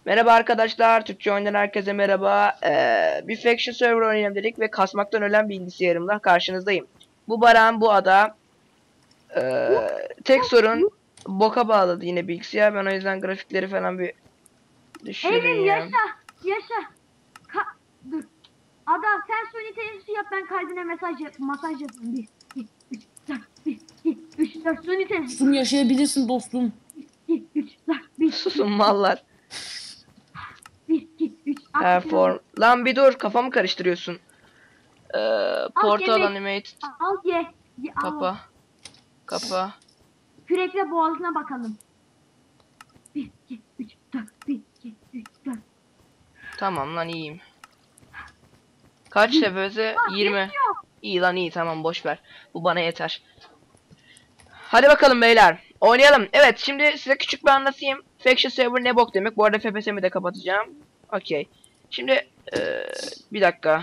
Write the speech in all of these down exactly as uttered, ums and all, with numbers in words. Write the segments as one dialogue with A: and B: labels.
A: Merhaba arkadaşlar, Türkçe oyundan herkese merhaba. Ee, bir Faction server oynayalım dedik ve kasmaktan ölen bilgisayarımla karşınızdayım. Bu Baran, bu ada. Ee, tek sorun boka bağladı yine bilgisayar. Ben o yüzden grafikleri falan bir
B: Evrim
A: düşüreyim.
B: yaşa. Yaşa. Ka Dur. Ada sen suni tenisi yap, ben kaydına mesaj yap masaj yapayım. Bir, iki, üç, dört, bir, iki, üç, dört suni tenisi.
C: Şunu yaşayabilirsin dostum.
B: bir, iki, üç, dört, bir,
A: Susun mallar.
B: bir, iki, üç.
A: Perform. Lan bir dur, kafamı karıştırıyorsun. Ee, Portal
B: yemek.
A: Animated.
B: Al ye. ye al.
A: Kapa. Kapa.
B: Kürekle boğazına bakalım. bir, iki, üç, dört, bir, iki, üç, dört.
A: Tamam lan, iyiyim. Kaç tepesi? yirmi. İyi lan, iyi, tamam, boş ver. Bu bana yeter. Hadi bakalım beyler. Oynayalım. Evet, şimdi size küçük bir anlatayım. Faction server ne bok demek. Bu arada F P S'mi de kapatacağım. Okey. Şimdi ee, bir dakika.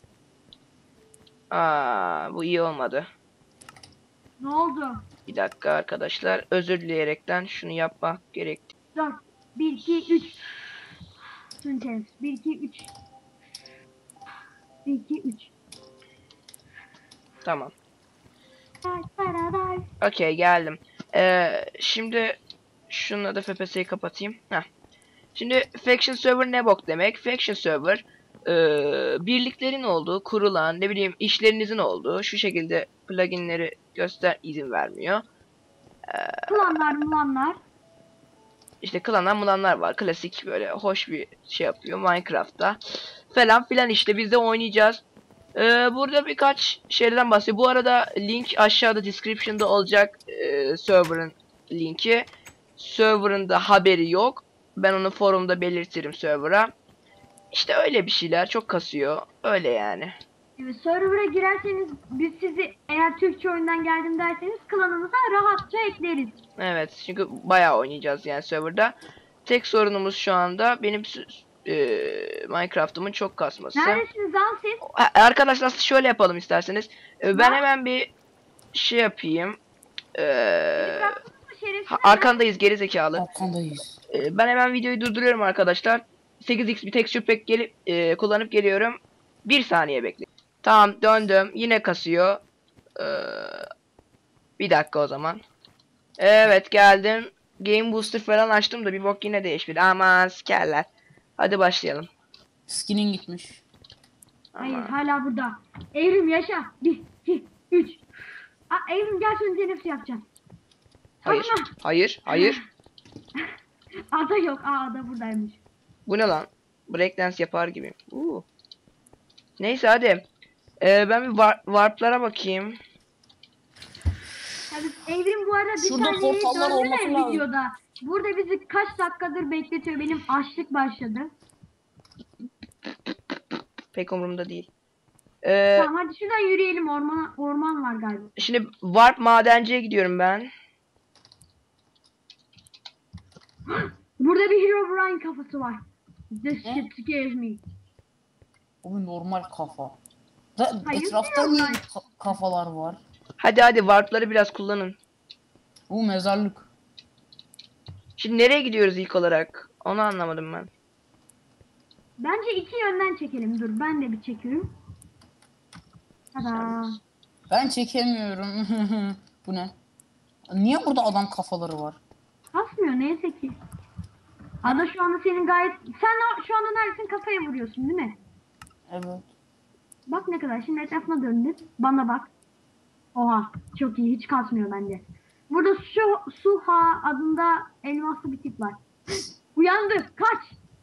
A: Aa, bu iyi olmadı.
B: Ne oldu?
A: Bir dakika arkadaşlar. Özür dileyerekten şunu yapmak gerekti.
B: dört, bir, iki, üç. Suni tenisi. bir, iki, üç. bir, iki, üç.
A: Tamam. Okey, geldim. Ee, şimdi şununla da F P S'yi kapatayım. Heh. Şimdi Faction server ne bok demek? Faction server ee, birliklerin olduğu, kurulan, ne bileyim işlerinizin olduğu, şu şekilde pluginleri göster izin vermiyor. Ee,
B: Klanlar mulanlar.
A: işte klanlar mulanlar var. Klasik böyle hoş bir şey yapıyor Minecraft'ta. Falan filan işte biz de oynayacağız. Ee, burada birkaç şeyden bahsediyor. Bu arada link aşağıda description'da olacak, ee, server'ın linki. Server'ın da haberi yok. Ben onu forumda belirtirim server'a. İşte öyle bir şeyler, çok kasıyor. Öyle yani.
B: Evet, server'a girerseniz biz sizi, eğer Türkçe oyundan geldim derseniz, klanımıza rahatça ekleriz.
A: Evet, çünkü bayağı oynayacağız yani server'da. Tek sorunumuz şu anda benim e, Minecraft'ımın çok kasması.
B: Neredesiniz lan siz?
A: Ha, arkadaşlar şöyle yapalım isterseniz. E, ben hemen bir şey yapayım. Ee, ha, arkandayız geri zekalı.
C: Arkandayız.
A: Ee, ben hemen videoyu durduruyorum arkadaşlar. sekiz x bir texture pack gelip e, kullanıp geliyorum. Bir saniye bekleyin. Tamam, döndüm. Yine kasıyor. Ee, bir dakika o zaman. Evet, geldim. Game Booster falan açtım da bir bok yine değişmedi. Aman sikerler. Hadi başlayalım.
C: Skinin gitmiş.
B: Hayır,
A: Aman.
B: hala burada. Evrim yaşa. bir, iki, üç. Aa, Evrim gel, suni tenisi yapacağız.
A: Hayır.
B: Tamam.
A: Hayır. Hayır.
B: Ada yok. Aa, ada buradaymış.
A: Bu ne lan? Breakdance yapar gibi. Uu. Neyse hadi. Ee, ben bir war warp'lara bakayım.
B: Tabii Evrim bu arada bir
C: Şurada
B: saniye
C: portallar
B: döndü
C: olması
B: de
C: lazım.
B: videoda. Burada bizi kaç dakikadır bekletiyor. Benim açlık başladı.
A: Pek umurumda değil. Ee,
B: Tamam, hadi şuradan yürüyelim. Orman, orman var galiba.
A: Şimdi warp madenciye gidiyorum ben.
B: Burada bir Herobrine kafası var. This
C: Ne?
B: shit scares me.
C: O normal kafa. Da,
B: Hayır,
C: etrafta
B: yok
C: niye
B: lan.
C: ka- kafalar var?
A: Hadi hadi warp'ları biraz kullanın.
C: Bu mezarlık.
A: Şimdi nereye gidiyoruz ilk olarak? Onu anlamadım ben.
B: Bence iki yönden çekelim. Dur, ben de bir çekiyorum. Tada.
C: Ben çekemiyorum. Bu ne? Niye burada adam kafaları var?
B: Kasmıyor neyse ki. Ada şu anda senin gayet... Sen o, şu anda neredesin? Kafaya vuruyorsun değil mi?
C: Evet.
B: Bak ne kadar. Şimdi etrafına döndün. Bana bak. Oha. Çok iyi. Hiç kasmıyor bence. Burada şu Suha adında elmaslı bir tip var. Uyandı. Kaç.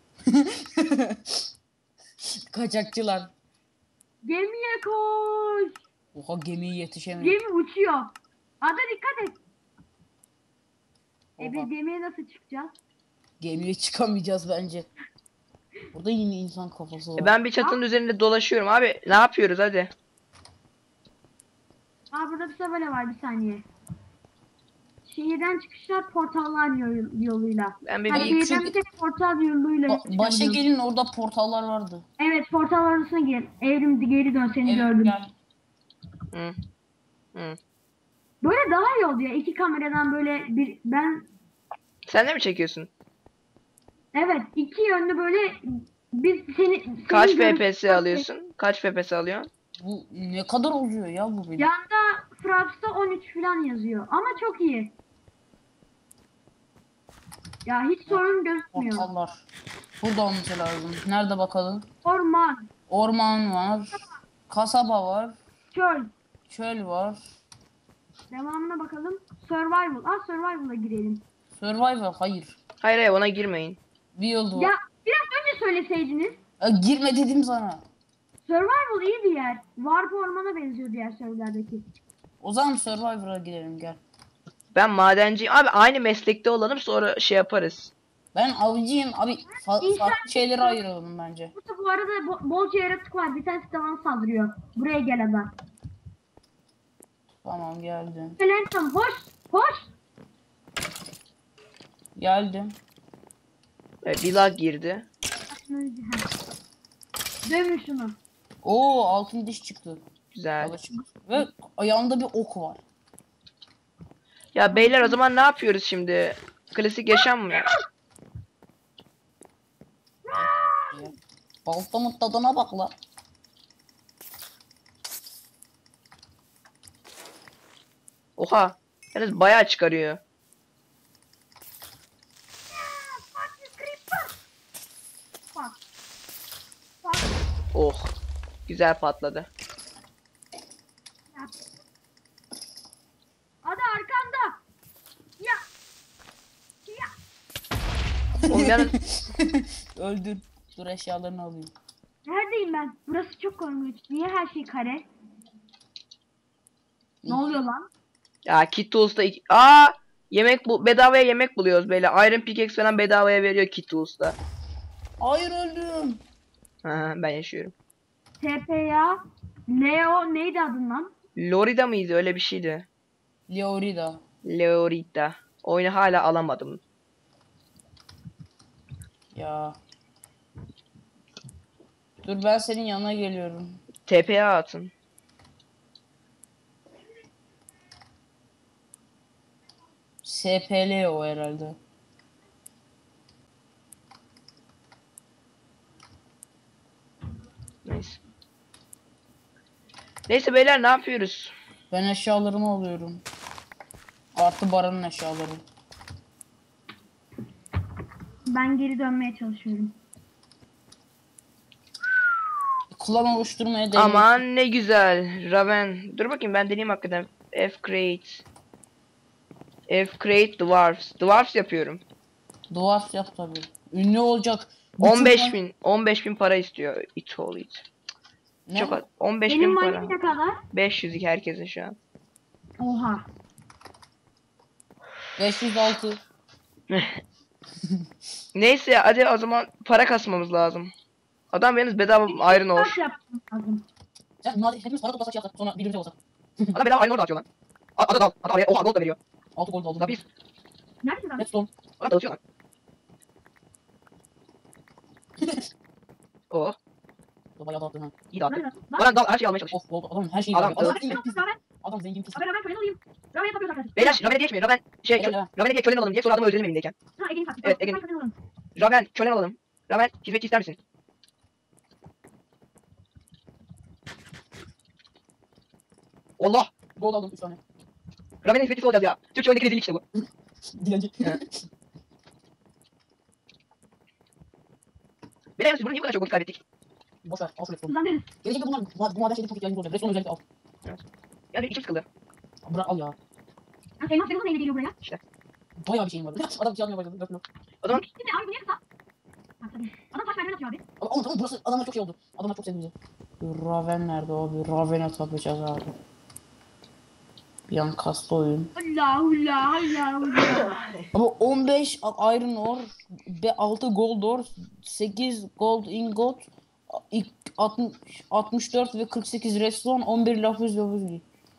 C: Kaçakçılar.
B: Gemiye koş.
C: Oha, gemiye yetişemiyor.
B: Gemi uçuyor. Ada dikkat et. E
C: Oha.
B: biz gemiye nasıl çıkacağız?
C: Gemiye çıkamayacağız bence. Burada yine insan kafası var.
A: E ben bir çatının üzerinde dolaşıyorum abi. Ne yapıyoruz hadi.
B: Aa, burada bir tabela var, bir saniye. Şehirden çıkışlar portallar yol, yoluyla.
A: Ben bir,
B: Ha,
A: bir
B: şehirden
C: çünkü-
B: bir tek portal yoluyla
C: Ba- başa
B: çıkabiliyoruz.
C: gelin, orada portallar vardı.
B: Evet, portal arasına gir. Evrim geri dön, seni
C: Evet,
B: gördüm.
C: gel.
A: Hı. Hı.
B: Böyle daha iyi oldu ya. İki kameradan böyle bir ben
A: Sen de mi çekiyorsun?
B: Evet, iki yönlü böyle biz seni, senin
A: Kaç
B: görüp-
A: F P S alıyorsun? Kaç F P S alıyorsun?
C: Bu ne kadar oluyor ya bu benim?
B: Yanda Fraps'ta on üç falan yazıyor ama çok iyi. Ya hiç sorun gözükmüyor.
C: Portallar. Burada olması lazım. Nerede bakalım?
B: Orman,
C: Orman var. Kasaba var.
B: çöl.
C: Çöl var.
B: Devamına bakalım. Survival. Ah Survival'a girelim.
C: Survivor hayır.
A: Hayır hayır ona girmeyin.
C: Wild
B: Ya
C: var.
B: biraz önce söyleseydiniz.
C: Ya, girme dedim sana.
B: Survival iyi bir yer. Warp ormana benziyor diğer serverlerdeki.
C: O zaman Survivor'a gidelim gel.
A: Ben madenciyim. Abi aynı meslekte olalım sonra şey yaparız.
C: Ben avcıyım abi. Fa
B: İnsan-
C: farklı şeylere ayıralım bence.
B: Burada bu arada bo- bolca yaratık var. Bir tanesi de bana saldırıyor. Buraya gel adam.
C: Tamam geldim.
B: Lenton hoş. Hoş.
C: Geldim.
A: Evet, bir lag girdi.
B: Dövün şunu.
C: Oo altın diş çıktı.
A: Güzel.
C: Yola çıktı. Ve ayağında bir ok var.
A: Ya beyler o zaman ne yapıyoruz şimdi? Klasik yaşam mı?
C: Baltamın tadına bak la.
A: Oha. Yalnız bayağı çıkarıyor.
B: Bak. Bak.
A: Oh. Güzel patladı.
B: Hadi arkanda. Ya. Ya.
A: Oğlum yalnız
C: Öldür. Dur eşyalarını alayım.
B: Neredeyim ben? Burası çok korkunç. Niye her şey kare? Ne oluyor lan?
A: ya Kit Tools'ta iki... Aa! Yemek bu bedavaya yemek buluyoruz böyle. Iron Pickaxe falan bedavaya veriyor Kit Tools'ta.
C: Hayır öldüm.
A: Ha, ben yaşıyorum.
B: T P ya. Leo neydi adın lan?
A: Lorida mıydı öyle bir şeydi.
C: Leorida.
A: Lorida. Oyunu hala alamadım.
C: Ya. Dur ben senin yanına geliyorum.
A: T P'ye atın.
C: S P L o herhalde.
A: Neyse. Neyse beyler ne yapıyoruz?
C: Ben eşyalarımı alıyorum. Artı Baran'ın eşyaları.
B: Ben geri dönmeye çalışıyorum.
C: Klan oluşturmaya devam.
A: Aman ne güzel. Raven. Dur bakayım ben deneyeyim hakikaten. F create. F create dwarfs. Dwarfs yapıyorum.
C: Dwarf yap tabii. Ünlü olacak.
A: on beş
C: Bütün-
A: bin. on beş bin para istiyor. It all it.
C: Ne?
A: Çok az. on beş
B: Benim
A: bin para.
B: money ne kadar?
A: beş yüz herkesin şu an.
B: Oha.
C: beş yüz altı.
A: Neyse hadi o zaman para kasmamız lazım. Adam yalnız bedava iron ore.
B: Kaç yapmam lazım?
C: Sen bunlar hepimiz para toplasak şey yapsak sonra birbirimize olsak.
A: Adam bedava iron ore dağıtıyor lan. Adam al. Adam oraya oha gold da veriyor.
C: altı gol aldım.
A: Tabii biz.
B: Nerede lan?
C: Redstone.
A: Adam dağıtıyor lan. Oh.
C: Bayağı dağıttın ha.
A: İyi dağıttı.
B: Nerede lan?
A: Adam dal her şeyi almaya çalışıyor.
C: Of gold. Adam her şeyi
A: Adam-
C: alıyor. Adam,
A: Evet.
C: zengin pis.
B: Raven,
C: Adam zengin pis.
B: Raven, Raven kölen olayım. Raven yapıyoruz arkadaşlar.
A: Beyler Raven'e geçmeyin. Raven şey
C: Gel, gel.
A: Raven'e geç kölen alalım diye sonra adamı öldürelim elimdeyken.
B: Ha Ege'nin taktiği.
A: Evet,
B: Tamam,
A: Ege'nin.
B: ben kölen olalım.
A: Raven kölen alalım. Raven hizmetçi ister misin? Allah.
C: Gold aldım üç tane.
A: Raven'in hizmetçisi olacağız ya. Türkçe oyundaki rezillik işte bu.
C: Dilenci.
A: Beyler siz bunu niye bu kadar çok vakit kaybettik?
C: Boş ver. Al şu redstone.
B: Kızlandırız.
C: Gelecekte bunlar bu, bu maden şeyde çok ihtiyacımız olacak. Redstone özellikle al.
A: Yani içim sıkıldı.
C: Bırak al ya.
B: Ha Elmas Elmas neyle geliyor buraya?
C: Bayağı bir şeyim var. Adam şey almaya başladı. Dört blok.
A: O zaman
B: Şimdi abi bu niye kısa? Bak tabii. Adam taş merdiven atıyor abi.
C: Ama oğlum tamam burası adamlar çok şey oldu. Adamlar çok sevdi bizi. Raven nerede abi? Raven'e tapacağız abi. Bir an kastı oyun.
B: Allah Allah Allah Allah.
C: Ama on beş iron ore, altı gold ore, sekiz gold ingot, altmış, altmış dört ve kırk sekiz redstone, on bir lapis lazuli.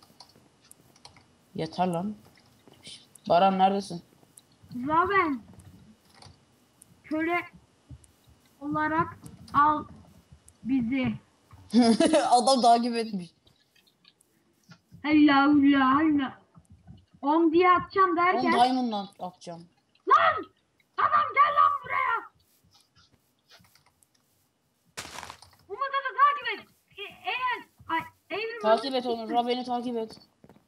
C: Yeter lan. Baran neredesin?
B: Raven. Köle olarak al bizi.
C: Adam takip etmiş.
B: Allah Allah Allah. On diye atacağım
C: on
B: derken.
C: diamond'dan atacağım.
B: Lan! Adam gel lan buraya.
C: Takip et onu. Ra beni takip et.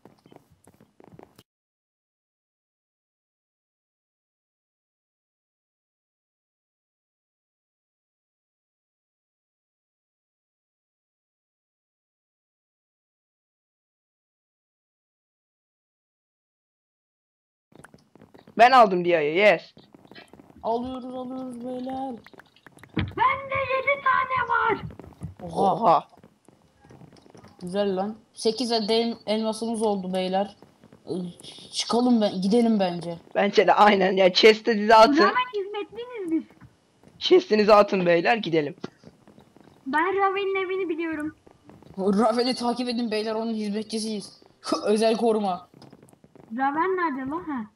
A: Ben aldım Dia'yı. Yes.
C: Alıyoruz alıyoruz beyler.
B: Bende yedi tane var.
C: Oha.
A: Oha.
C: Güzel lan. sekiz el elmasımız oldu beyler. Ee, Çıkalım ben gidelim bence.
A: Bence de aynen. Ya chest'inizi atın.
B: Raven hizmetliyiz biz.
A: Chest'inizi atın beyler, gidelim.
B: Ben Raven'in evini biliyorum.
C: Raven'i takip edin beyler, onun hizmetçisiyiz. Özel koruma.
B: Raven nerede lan? Ha.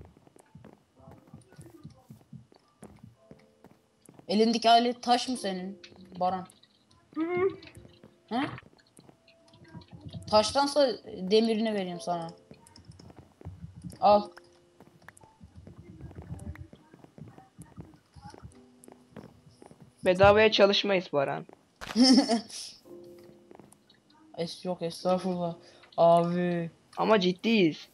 C: Elindeki alet taş mı senin Baran?
B: Hı hı.
C: He? Taştansa demirini vereyim sana. Al.
A: Bedavaya çalışmayız Baran.
C: Es yok estağfurullah. Abi.
A: Ama ciddiyiz.